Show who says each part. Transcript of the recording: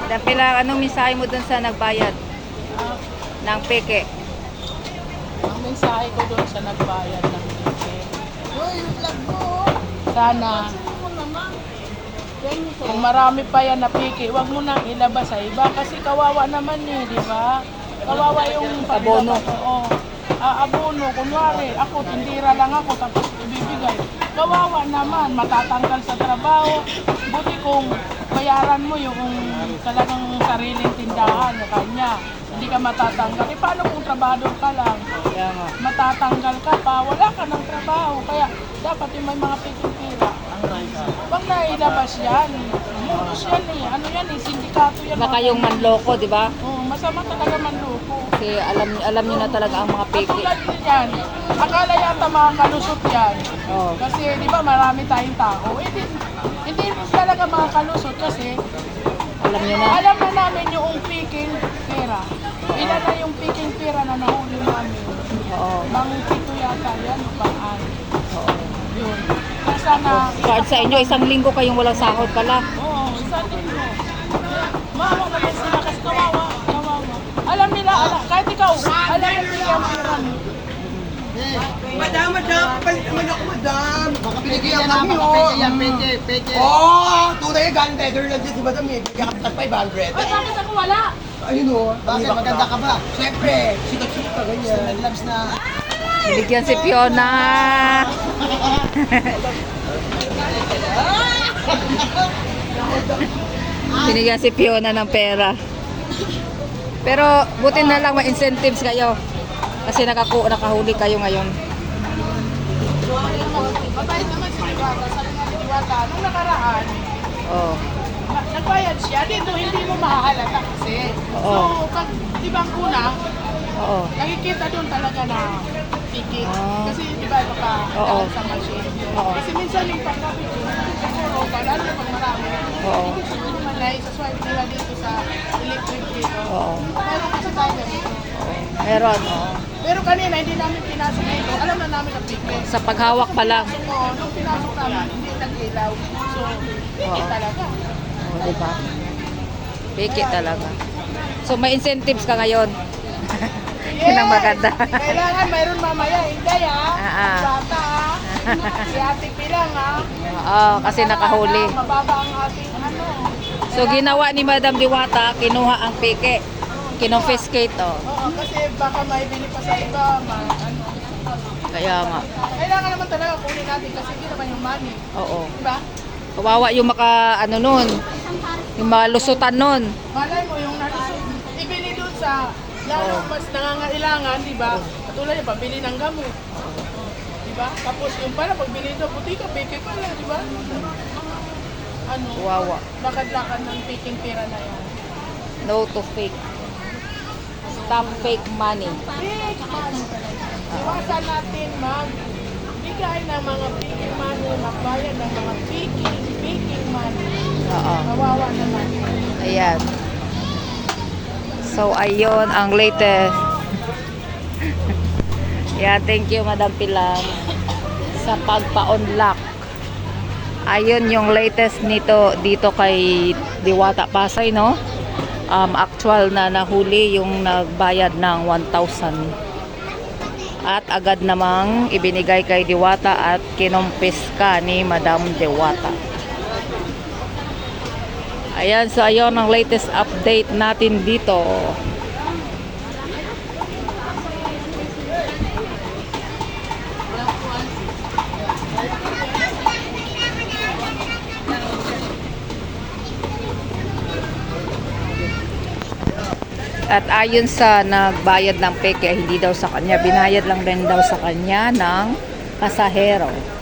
Speaker 1: Dapila, anong mensahe mo dun sa nagbayad
Speaker 2: Ah,
Speaker 1: ng peke?
Speaker 2: ang mensahe ko doon sa nagbayad ng ticket,
Speaker 3: Uy, yung vlog mo.
Speaker 2: sana kung marami pa yan na piki, wag mo nang ilabas sa iba kasi kawawa naman eh, di ba? Kawawa yung
Speaker 1: Abono.
Speaker 2: Oo. Abono, kunwari, ako, tindira lang ako, tapos ibibigay. Kawawa naman, matatanggal sa trabaho. Buti kung bayaran mo yung talagang sariling tindahan na kanya. Hindi ka matatanggal. Eh, paano kung trabador ka lang?
Speaker 1: Kaya nga.
Speaker 2: Matatanggal ka pa, wala ka ng trabaho. Kaya dapat yung may mga pikipira. Huwag na ilabas yan. Munos yan eh. Ano yan eh, sindikato yan.
Speaker 1: Baka yung manloko, di ba?
Speaker 2: Oo, masama talaga manloko.
Speaker 1: Kasi alam niyo na talaga ang mga peke.
Speaker 2: Katulad din yan, akala yata mga kalusot yan.
Speaker 1: Oo.
Speaker 2: Kasi di ba marami tayong tao. Hindi talaga mga kalusot kasi
Speaker 1: Alam niyo na.
Speaker 2: alam na namin yung peking pera. Ilan na yung peking pera na nahuli namin.
Speaker 1: Oo.
Speaker 2: Bang pito yata yan o bang ano.
Speaker 1: Oo.
Speaker 2: Yun. Kaya sana,
Speaker 1: Kahit sa inyo, isang linggo kayong walang sahod pala.
Speaker 2: oo, isa din mo. Maawa naman sila kasi kawawa. Alam nila, kahit ikaw, alam mo nila ang marami.
Speaker 3: Madam, papalit naman ako, madam.
Speaker 4: Baka
Speaker 3: Binigyan
Speaker 4: pwede
Speaker 3: kami,
Speaker 4: yan,
Speaker 3: oh.
Speaker 4: pwede yan, pwede.
Speaker 3: Tunay gun leather lang dyan si madam eh. Bigyan kami ng 500.
Speaker 2: Ay, bakit ako wala?
Speaker 3: Ayun oh.
Speaker 4: Bakit? Maganda ka ba?
Speaker 3: Siyempre, sika-sika, ganyan.
Speaker 4: Naglabs na.
Speaker 1: Binigyan si Fiona. Binigyan si Fiona ng pera. Pero buti na lang may incentives kayo. Kasi nakahuli kayo ngayon.
Speaker 2: Mabait naman si Diwata. Sabi nga ni Diwata, nung nakaraan,
Speaker 1: Oh.
Speaker 2: nagbayad siya. Dito, hindi mo mahahalata kasi.
Speaker 1: Oo.
Speaker 2: So, pag ibang kuna,
Speaker 1: Oo.
Speaker 2: nakikita doon talaga na ticket.
Speaker 1: Ah.
Speaker 2: Kasi di ba
Speaker 1: Oo.
Speaker 2: sa machine.
Speaker 1: Oo.
Speaker 2: Kasi minsan yung pagkapit, siguro, lalo na pag marami,
Speaker 1: Oo.
Speaker 2: hindi naman na isa-swipe nila dito sa electric dito.
Speaker 1: Oo.
Speaker 2: Meron kasi tayo ganito.
Speaker 1: Meron. Oo.
Speaker 2: Pero kanina, hindi namin pinasok dito. Alam na namin na ticket.
Speaker 1: Sa paghawak pa lang.
Speaker 2: So, nung pinasok namin, hindi nag-ilaw. So, ticket
Speaker 1: Oo.
Speaker 2: talaga.
Speaker 1: Oh, di ba? Peke talaga. So may incentives ka ngayon. Yun ang maganda.
Speaker 2: Kailangan mayroon mamaya. Hindi
Speaker 1: Ah.
Speaker 2: Bata Si Ate Pilang
Speaker 1: Oo, kasi nakahuli.
Speaker 2: Mababa ang ating ano.
Speaker 1: So ginawa ni Madam Diwata, kinuha ang peke. Kinonfiscate, oh.
Speaker 2: Oo, kasi baka may bili pa sa iba. Ano.
Speaker 1: Kaya nga.
Speaker 2: Kailangan naman talaga kunin natin kasi hindi naman yung money.
Speaker 1: Oo.
Speaker 2: Diba?
Speaker 1: Kawawa yung nun. Yung malusutan nun.
Speaker 2: Malay mo yung nalusot. Ibili doon sa lalo mas nangangailangan, di ba? Katulad yung pabili ng gamot. Di ba? Tapos yung pala, pagbili doon, buti ka, peke pala, di ba? Ano?
Speaker 1: Kawawa.
Speaker 2: Lakad-lakad ng peking pera na yan.
Speaker 1: No to fake. Stop fake money.
Speaker 2: Fake money. Iwasan natin magbigay ng mga peking money, magbayad ng mga peking money.
Speaker 1: Oo.
Speaker 2: Kawawa naman.
Speaker 1: Ayan. So, ayun ang latest. Yeah, thank you Madam Pilar sa pagpa-unlock. Ayun yung latest nito dito kay Diwata Pasay, no? Actual na nahuli yung nagbayad ng 1,000. At agad namang ibinigay kay Diwata at kinumpiska ni Madam Diwata. Ayan, so ayun ang latest update natin dito. At ayon sa nagbayad ng peke, hindi daw sa kanya, binayad lang din daw sa kanya ng pasahero.